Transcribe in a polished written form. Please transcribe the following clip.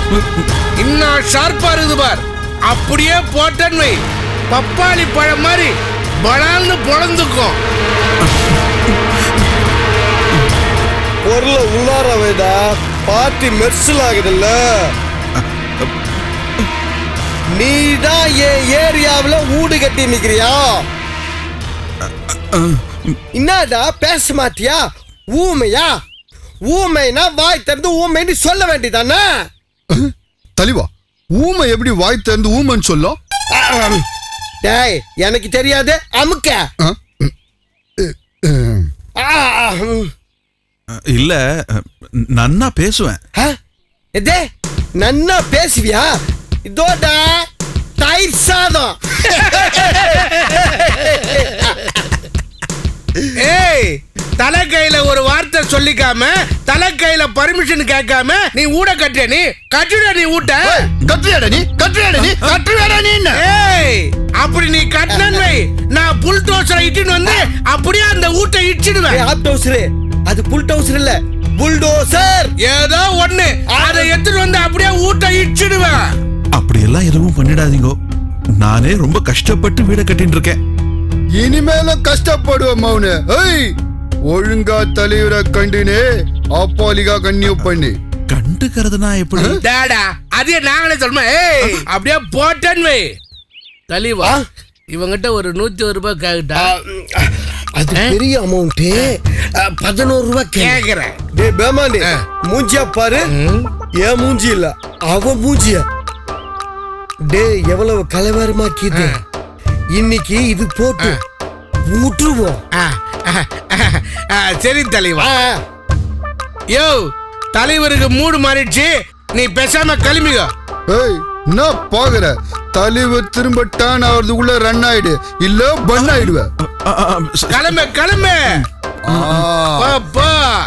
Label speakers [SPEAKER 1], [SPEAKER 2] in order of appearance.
[SPEAKER 1] இன்னும் ஷார்ப்பா இருக்குது பார். அப்படியே போட்டேன்னு வை, பப்பாளி பழம் மாதிரி பலால்னு பொழந்துக்கும்.
[SPEAKER 2] பொருளை உள்ளார வைடா, பார்ட்டி மெர்சல் ஆகுதுல்ல. நீதான் என் ஏரியாவில் ஊடு கட்டி நிக்கிறியா? என்னடா பேச மாட்டியா? ஊமையா? ஊமைனா வாய் திறந்து ஊமைன்னு சொல்ல வேண்டியதானே?
[SPEAKER 3] தலைவா, ஊமை எப்படி வாய் திறந்து ஊமைன்னு சொல்லும்?
[SPEAKER 2] டேய், எனக்கு தெரியாது, அமுக்க.
[SPEAKER 4] இல்ல, நன்னா பேசுவேன்.
[SPEAKER 2] இதே நன்னா பேசுவியா? இதோடா தயிர் சாதம்.
[SPEAKER 1] ஏய், தலைக்கையில ஒரு வார்த்தை சொல்லிக்காம, தலைக்கையில பர்மிஷன் கேட்காம நீ ஊட கட்டிய, நீ கட்டுட, நீ ஊட்ட
[SPEAKER 3] கட்டுறியாடா நீ? கட்டுறியாடா நீ? கட்டுறியாடா நீ?
[SPEAKER 1] ஏய், அப்படி நீ கட்டினு வை, நான் புல் டோசரை இட்டுன்னு வந்து அப்படியே அந்த ஊட்டை இடிச்சிடுவேன்.
[SPEAKER 2] ஆப் டோசர், அது புல் டோசர் இல்ல, புல்டோசர்.
[SPEAKER 1] ஏதோ ஒண்ணு, அதை எடுத்துட்டு வந்து அப்படியே ஊட்டை இடிச்சிடுவேன்.
[SPEAKER 4] அப்படி எல்லாம் எதுவும் பண்ணிடாதீங்க. நானே ரொம்ப கஷ்டப்பட்டு வீட கட்டின்னு இருக்கேன்.
[SPEAKER 3] இனிமேலும் கஷ்டப்படுவோம் மௌனு. ஏய், ஒழுங்கா தலைவரை கண்டினே அப்பாலிகா கன்னியூ பண்ணி
[SPEAKER 4] கண்டுக்கிறதுனா எப்படி?
[SPEAKER 1] டாடா, அதே நாங்களே சொல்லுமா. ஏய், அப்படியே போட்டேன்னு வை. தலைவா, இவங்கிட்ட ஒரு 101 ரூபாய் கேட்டா,
[SPEAKER 2] அது பெரிய அமௌண்ட். 11 ரூபாய்
[SPEAKER 1] கேக்குறேன்.
[SPEAKER 2] டேய் பேமாண்டி, மூஞ்சியா பாரு. ஏன் மூஞ்சி இல்ல, அவ மூஞ்சிய. டேய், எவ்வளவு கலவரமாக்கிது. இன்னைக்கு இது போட்டு ஊற்றுவோம்.
[SPEAKER 1] சரி தலைவா. யோ, தலைவருக்கு மூடு மாறிடுச்சு, நீ பேசாம கிளம்பிக்கோ.
[SPEAKER 3] ஏய், என்ன பாக்குற? தலைவர் திரும்ப டர்ன் ஆகிறதுக்குள்ள ரன் ஆயிடு, இல்ல பன் ஆயிடுவ.
[SPEAKER 1] கிளம்பு கிளம்பு. பா